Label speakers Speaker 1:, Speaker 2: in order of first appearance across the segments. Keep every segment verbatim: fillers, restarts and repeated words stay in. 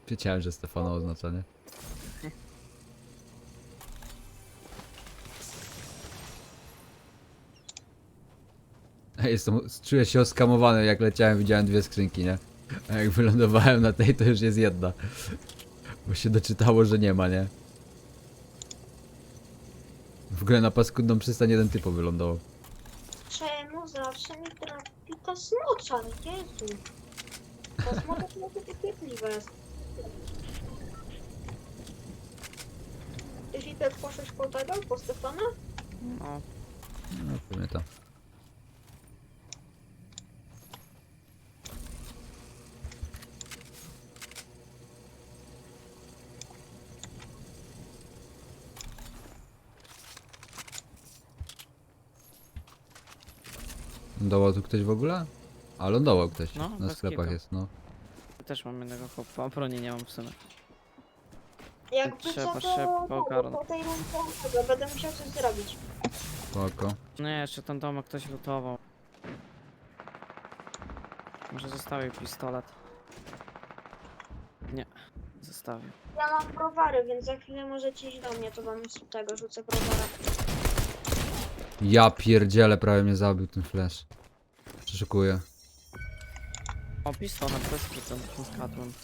Speaker 1: Wiedziałem, że Stefano oznacza, nie? Ej, Jestem, czuję się oskamowany, jak leciałem, widziałem dwie skrzynki, nie? A jak wylądowałem na tej, to już jest jedna. Bo się doczytało, że nie ma, nie? W ogóle na paskudną przystań jeden typo wylądował.
Speaker 2: Czemu zawsze mi trafi ta smocza? Jezu. Ta smocza to takie piekliwe jest. Ty Fipek poszłeś po tego, po Stefana?
Speaker 3: No,
Speaker 1: No, pewnie to. Lądował tu ktoś w ogóle? A lądował ktoś.
Speaker 3: No,
Speaker 1: Na
Speaker 3: bez
Speaker 1: sklepach
Speaker 3: kitu.
Speaker 1: jest, no.
Speaker 3: też mam jednego chłopa, a broni nie mam w sumie.
Speaker 2: Jakby
Speaker 3: Trzeba
Speaker 2: co,
Speaker 3: szybko
Speaker 2: to
Speaker 3: ogarnąć.
Speaker 2: po tej rundzie będę musiał coś zrobić.
Speaker 1: Spoko.
Speaker 3: Nie, jeszcze ten domek ktoś lutował. Może zostawił pistolet. Nie, zostawił.
Speaker 2: Ja mam browary, więc za chwilę możecie iść do mnie, to wam z tego rzucę browara.
Speaker 1: Ja pierdzielę, prawie mnie zabił ten flash. Przeszukuję.
Speaker 3: O, pistolet bez kitu, z kadłem.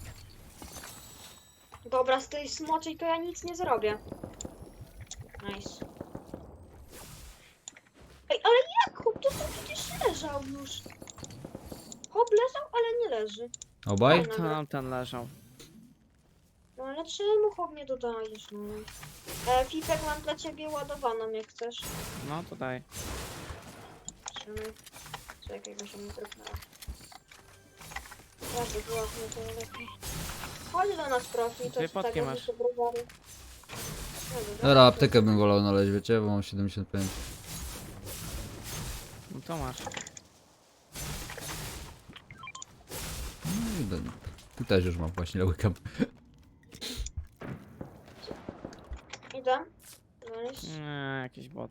Speaker 2: Dobra, z tej smoczej to ja nic nie zrobię. Nice. Ej, ale jak chłop? To tam przecież leżał już. Chłop leżał, ale nie leży.
Speaker 1: Obaj?
Speaker 2: Fajna.
Speaker 3: Tam ten leżał.
Speaker 2: No ale czemu chłop nie dodajesz, no? E, Fipek, mam dla ciebie ładowaną, jak chcesz.
Speaker 3: No, to daj.
Speaker 2: Trzymaj. Czekaj, bo się mi trupnęła. Ja to była nie to lepiej. Chodź do nas, profi, to
Speaker 3: Dwie
Speaker 2: z
Speaker 3: potki
Speaker 2: tego
Speaker 3: masz.
Speaker 2: rzucę browary.
Speaker 1: Dobra, aptekę bym wolał znaleźć, wiecie, bo mam siedemdziesiąt pięć.
Speaker 3: No to masz.
Speaker 1: No i do... Tu też już mam właśnie, łykam.
Speaker 2: Idę. Nice.
Speaker 3: Nie, jakiś bot.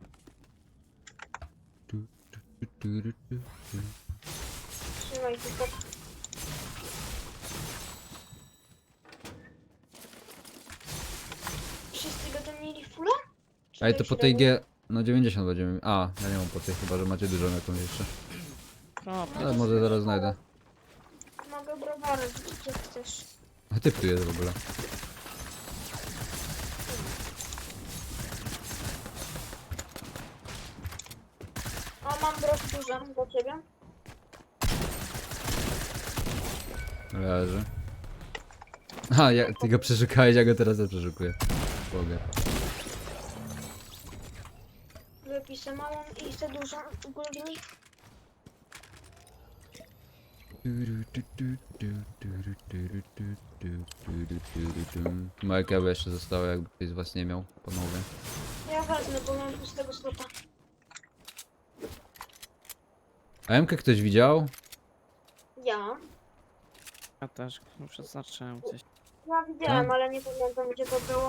Speaker 2: Trzymaj Fipek. Wszyscy będą mieli fulla? Czy
Speaker 1: Ej, to
Speaker 2: już
Speaker 1: po tej
Speaker 2: robią?
Speaker 1: G... No dziewięćdziesiąt będziemy... A, ja nie mam po tej, chyba że macie dużo jakąś jeszcze.
Speaker 3: No,
Speaker 1: Ale może zaraz znajdę.
Speaker 2: Mogę browary, gdzie chcesz.
Speaker 1: A typ tu jest w ogóle.
Speaker 2: O, mam brosz dużą dla ciebie.
Speaker 1: Leży. A, ja, ty go przeszukałeś, ja go teraz też przeszukuję. Mogę.
Speaker 2: Wypisę małą i chcę dużą ogólnie.
Speaker 1: Moje kawy jeszcze zostały, jakby ktoś z was nie miał, panowie.
Speaker 2: Ja wezmę, bo mam pustego slota.
Speaker 1: A M-kę ktoś widział?
Speaker 2: Ja?
Speaker 3: ja też. No, przeznaczyłem gdzieś.
Speaker 2: Ja widziałem,
Speaker 1: Tak?
Speaker 2: ale nie pamiętam gdzie to było.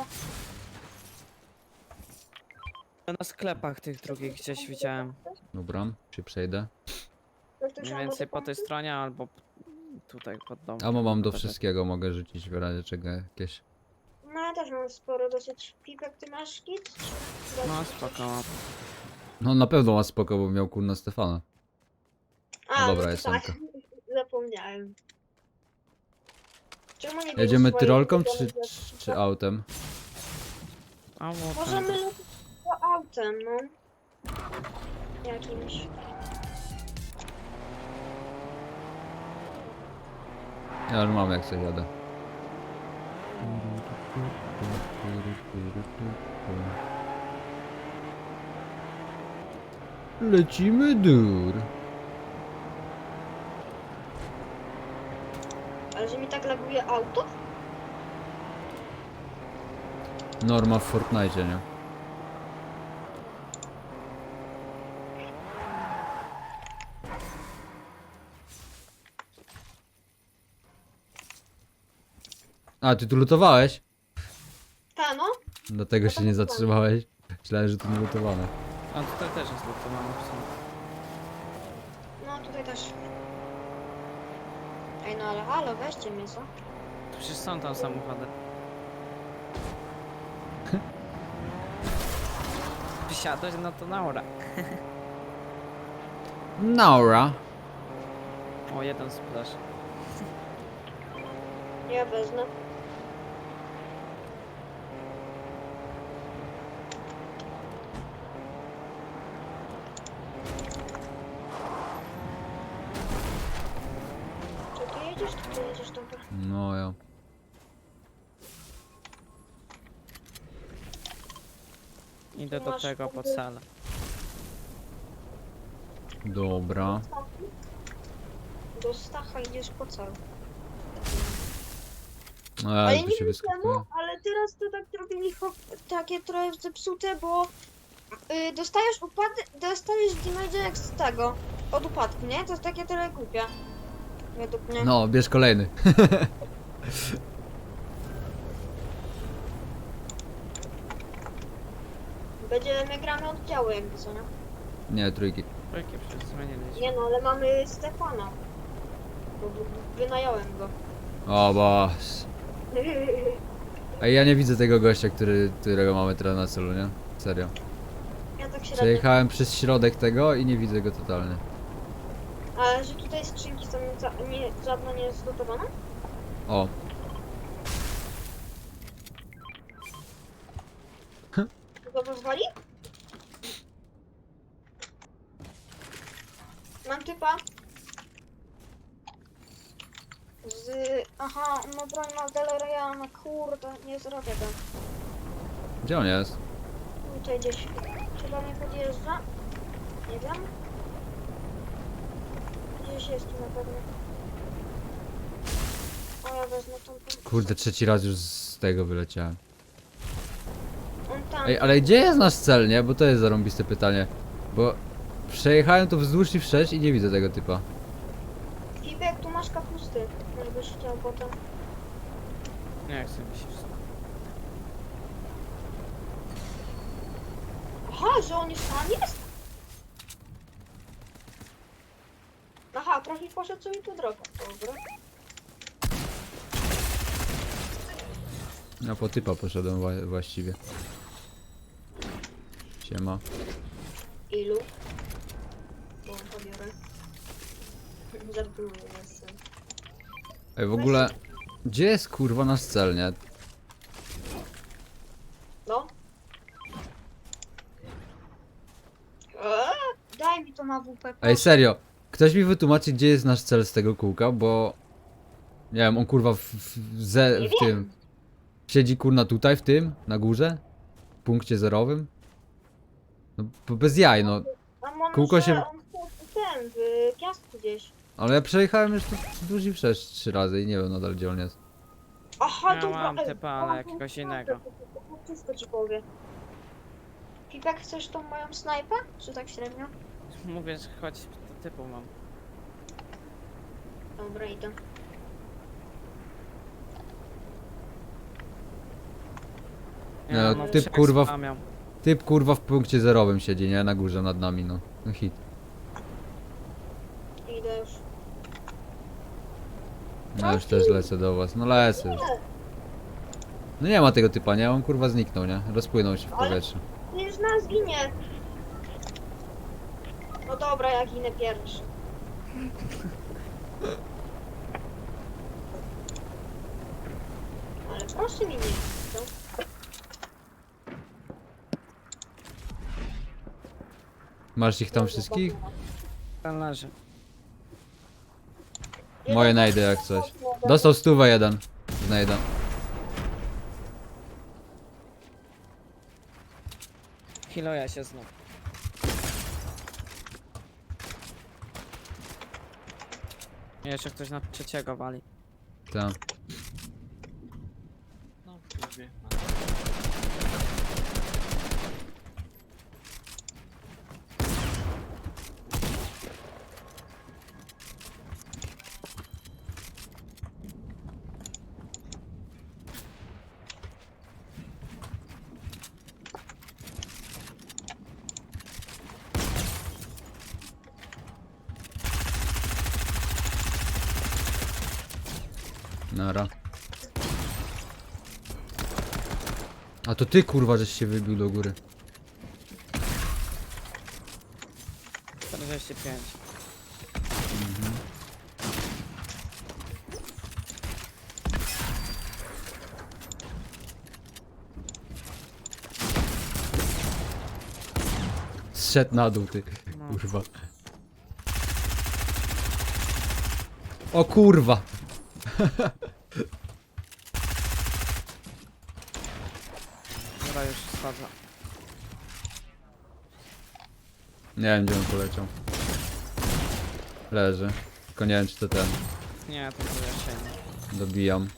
Speaker 3: Na sklepach tych drugich gdzieś widziałem.
Speaker 1: Dobra, się przejdę.
Speaker 2: Ktoś tu
Speaker 3: Mniej
Speaker 2: się
Speaker 3: więcej
Speaker 2: może
Speaker 3: po tej
Speaker 2: pomóc?
Speaker 3: stronie albo p- tutaj pod domem.
Speaker 1: A mam do wszystkiego, mogę rzucić w razie czego jakieś.
Speaker 2: No ja też mam sporo dosyć. Pipek, ty masz kit? Czy-
Speaker 3: No spoko. mam.
Speaker 1: No na pewno ma spoko, bo miał kurna Stefana.
Speaker 2: A,
Speaker 1: No dobra,
Speaker 2: to
Speaker 1: jest
Speaker 2: tak.
Speaker 1: Emka.
Speaker 2: Zapomniałem. Czemu nie
Speaker 1: Jedziemy
Speaker 2: bierzesz swojej
Speaker 1: tyrolką czy,
Speaker 2: ulubionej
Speaker 1: czy,
Speaker 2: rzeczy?
Speaker 1: czy autem?
Speaker 3: A łotem.
Speaker 2: Możemy lecieć to autem, no. Jakimś.
Speaker 1: Ja już mam jak coś jadę. Lecimy dur.
Speaker 2: Ale że mi tak laguje auto?
Speaker 1: Norma w Fortnite, nie? A, ty tu lutowałeś?
Speaker 2: Ta no.
Speaker 1: Dlatego się nie zatrzymałeś. Myślałem, że tu nie lutowane.
Speaker 3: A tutaj też jest lutowane w sumie.
Speaker 2: No tutaj też. Ej no ale halo, weźcie mnie co?
Speaker 3: Przecież są tam samochody. Wysiadłeś, no to naura.
Speaker 1: Naura.
Speaker 3: O, jeden splash.
Speaker 2: Ja wezmę. Czy ty jedziesz, czy ty jedziesz, dobra.
Speaker 1: No ja.
Speaker 3: Idę do
Speaker 2: Masz
Speaker 3: tego po
Speaker 2: punkty?
Speaker 3: cele.
Speaker 1: Dobra.
Speaker 2: Do Stacha idziesz po cel.
Speaker 1: A,
Speaker 2: Ale
Speaker 1: jak
Speaker 2: nie
Speaker 1: tu się
Speaker 2: wiem
Speaker 1: wyskakuje.
Speaker 2: czemu, ale teraz to tak zrobili cho- takie trochę zepsute, bo y, dostajesz upad- dostajesz damage jak z tego, od upadku, nie? To jest takie trochę głupie. Według mnie.
Speaker 1: No, bierz kolejny.
Speaker 2: Będzie, my gramy oddziały jakby co, nie?
Speaker 1: Nie, trójki.
Speaker 3: Jakie przecież zmieniliśmy.
Speaker 2: Nie no, ale mamy Stefana. Bo w- wynająłem go.
Speaker 1: O, boss. Ej, ja nie widzę tego gościa, który, którego mamy teraz na celu, nie? Serio.
Speaker 2: Ja tak średnio.
Speaker 1: Przejechałem przez środek tego i nie widzę go totalnie.
Speaker 2: Ale że tutaj skrzynki są za, nie, żadna nie jest zgotowana?
Speaker 1: O,
Speaker 2: Go pozwoli? Mam typa. Z... Aha, no broń ma Deloriana, kurde, nie zrobię go.
Speaker 1: gdzie on jest?
Speaker 2: Tutaj gdzieś. Czy do mnie podjeżdża? Nie wiem. Gdzieś jest tu na pewno. O, ja wezmę tą...
Speaker 1: Kurde, trzeci raz już z tego wyleciałem.
Speaker 2: On tam.
Speaker 1: Ej, ale gdzie jest nasz cel, nie? Bo to jest zarąbiste pytanie. Bo przejechałem tu wzdłuż i wszerz i nie widzę tego typa.
Speaker 2: Fibek, tu masz kapusty. Jakbyś chciał potem.
Speaker 3: Nie chcę mi się wszystko.
Speaker 2: Aha, że on już tam jest? Aha, profil poszedł sobie tu drogą. Dobra.
Speaker 1: Ja po typa poszedłem wa właściwie. Siema.
Speaker 2: Ilu? Bo pobiorę. Żartuję, jestem.
Speaker 1: Ej, w ogóle... Gdzie jest kurwa nasz cel, nie?
Speaker 2: No. Eee, daj mi to na W P.
Speaker 1: Ej, serio. Ktoś mi wytłumaczy, gdzie jest nasz cel z tego kółka, bo... Nie wiem, on kurwa w, w, ze,
Speaker 2: Nie
Speaker 1: w tym...
Speaker 2: wiem.
Speaker 1: Siedzi kurna tutaj, w tym, na górze? W punkcie zerowym? No, bo bez jaj, no.
Speaker 2: A może
Speaker 1: Kółko się-
Speaker 2: on w ten, w piasku gdzieś.
Speaker 1: Ale ja przejechałem już tu wzdłuż i wszerz trzy razy i nie wiem nadal, gdzie on jest.
Speaker 2: Aha,
Speaker 3: Ja
Speaker 2: dobra.
Speaker 3: mam
Speaker 2: ej,
Speaker 3: typa, ale
Speaker 2: mam
Speaker 3: jakiegoś
Speaker 2: tą
Speaker 3: innego.
Speaker 2: snajpę, to- to- to Wszystko ci powiem. Pipek, chcesz tą moją snajpę? Czy tak średnio?
Speaker 3: Mówię, że chodź, typu mam.
Speaker 2: Dobra, idę.
Speaker 1: No,
Speaker 3: mam
Speaker 1: typ,
Speaker 3: trzech
Speaker 1: kurwa, w-
Speaker 3: spamiał.
Speaker 1: Typ kurwa w punkcie zerowym siedzi, nie? Na górze nad nami, no. No hit.
Speaker 2: Idę już.
Speaker 1: No już też lecę do was. No lecę już. No nie ma tego typa, nie? On kurwa zniknął, nie? Rozpłynął się w
Speaker 2: Ale-
Speaker 1: powietrzu.
Speaker 2: Nie, już nas ginie. No dobra, ja ginę pierwszy. Ale proszę mi nie. To...
Speaker 1: Masz ich tam wszystkich?
Speaker 3: Ten leży.
Speaker 1: Moje najdę jak coś. Dostał stówę jeden. Znajdę.
Speaker 3: Healuję się znów. Jeszcze ktoś na trzeciego wali.
Speaker 1: Tam.
Speaker 3: No,
Speaker 1: Nara. A to ty kurwa, żeś się wybił do góry.
Speaker 3: czterdzieści pięć.
Speaker 1: Zszedł na dół ty.
Speaker 3: No.
Speaker 1: Kurwa. O kurwa.
Speaker 3: Dobra, już spadza.
Speaker 1: Nie wiem gdzie on poleciał. Leży. Tylko nie wiem czy to ten.
Speaker 3: Nie, to było jesień.
Speaker 1: Dobijam.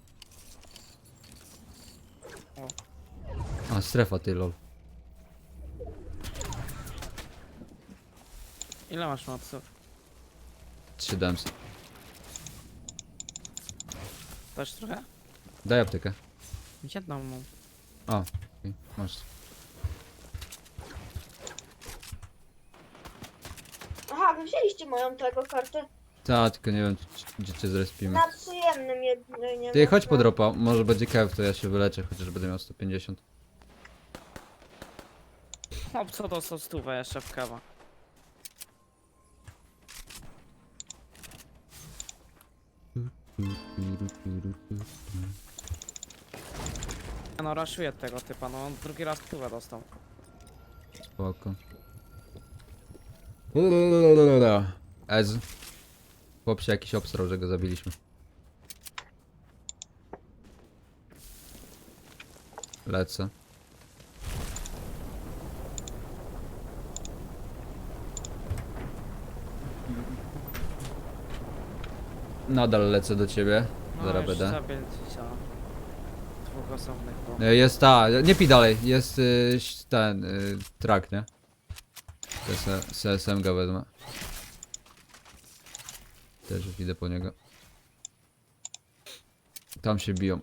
Speaker 3: O.
Speaker 1: A strefa ty lol.
Speaker 3: Ile masz moców?
Speaker 1: siedemset.
Speaker 3: Też trochę?
Speaker 1: Daj aptekę.
Speaker 3: Jedną mam.
Speaker 1: O, okej, masz.
Speaker 2: Aha, wy wzięliście moją tego kartę.
Speaker 1: Ta, tylko nie wiem czy- gdzie cię zrespimy.
Speaker 2: Na przyjemnym jedynie.
Speaker 1: Ty chodź
Speaker 2: no.
Speaker 1: po dropa, może będzie kew, to ja się wyleczę, chociaż będę miał sto pięćdziesiąt.
Speaker 3: Chłop, co dostał stówę jeszcze w kawa. Ja no raszuję tego typa, no on drugi raz stówę dostał.
Speaker 1: Spoko. Ez. Chłop się jakiś obstrał, że go zabiliśmy. Lecę. Nadal lecę do ciebie.
Speaker 3: No
Speaker 1: Zaraz
Speaker 3: już
Speaker 1: będę.
Speaker 3: zabiję dzisiaj. Dwóch osobnych było.
Speaker 1: E, Jest ta, nie pij dalej, jest y, ten y, track, nie? Z S M G wezmę. Też już idę po niego. Tam się biją.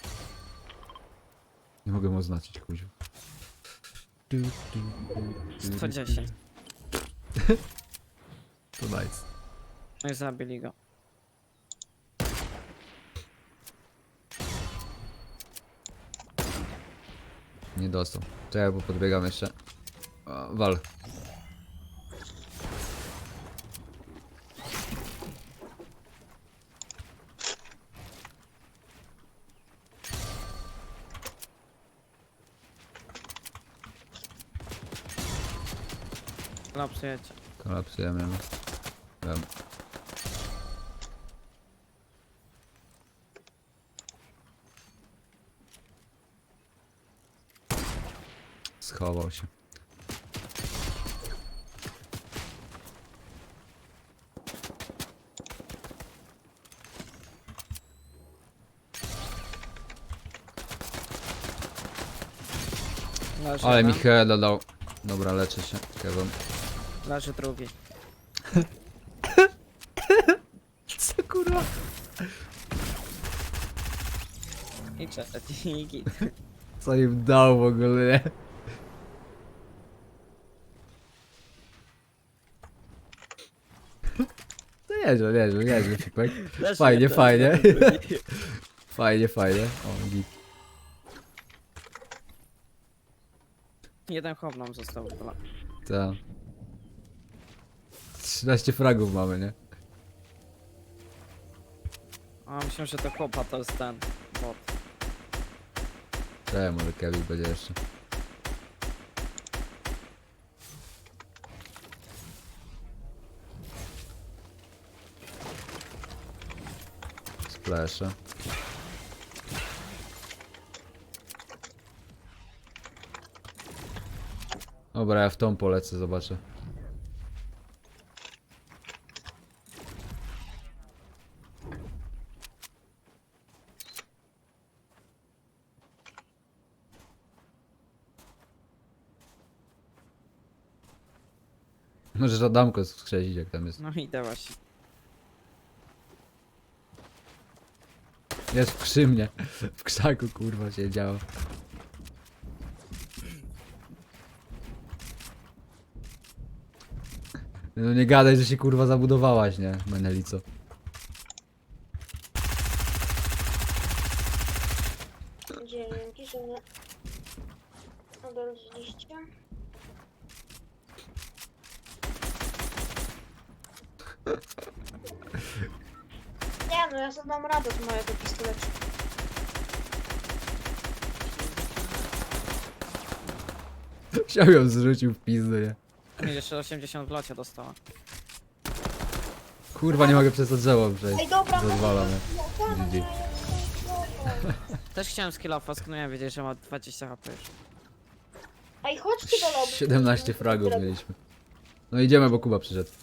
Speaker 1: Nie mogę mu oznaczyć, kuziu.
Speaker 3: sto dziesięć.
Speaker 1: To nice.
Speaker 3: No i zabili go.
Speaker 1: Nie dostał. Czekaj, bo podbiegam jeszcze. O, wal.
Speaker 3: Lapsujecie.
Speaker 1: Kolapsujemy. Wiem. Schował się.
Speaker 3: Leży
Speaker 1: Ale
Speaker 3: jeden,
Speaker 1: mi heada dał. Dobra, leczę się. Kevin.
Speaker 3: leży drugi.
Speaker 1: Co kurwa?
Speaker 3: I trzeci, i git.
Speaker 1: Co im dał w ogóle, nie? To nieźle, nieźle, nieźle, Fipek.
Speaker 3: Leży
Speaker 1: Fajnie,
Speaker 3: jeden,
Speaker 1: fajnie.
Speaker 3: leży drugi.
Speaker 1: Fajnie, fajnie. O, git.
Speaker 3: Jeden chłop nam został chyba.
Speaker 1: Ta. trzynaście fragów mamy, nie?
Speaker 3: A myślę, że to chłopa to jest ten bot.
Speaker 1: Czekaj, może Kevin będzie jeszcze. Splasha. Dobra, ja w tą polecę, zobaczę. Możesz Adamko skrzesić, jak tam jest.
Speaker 3: No idę właśnie.
Speaker 1: Jest przy mnie. W krzaku kurwa siedziała. No nie gadaj, że się kurwa zabudowałaś, nie? Menelico.
Speaker 2: Dzięki, że nie. Odrodziliście. Nie no, ja sobie dam radę z mojego pistoletu.
Speaker 1: Chciał ją zrzucił w pizdu, nie?
Speaker 3: Mi jeszcze osiemdziesiąt w locie dostała.
Speaker 1: Kurwa, nie mogę przez to drzewo przejść.
Speaker 2: Ej, dobra,
Speaker 1: Rozwalam, nie?
Speaker 2: no, no, no,
Speaker 1: G G.
Speaker 3: Też chciałem skillofa, sknąłem wiedzieć, że ma dwadzieścia HP już.
Speaker 2: Ej, chodźcie do lobby.
Speaker 1: siedemnaście fragów mieliśmy. No idziemy, bo Kuba przyszedł.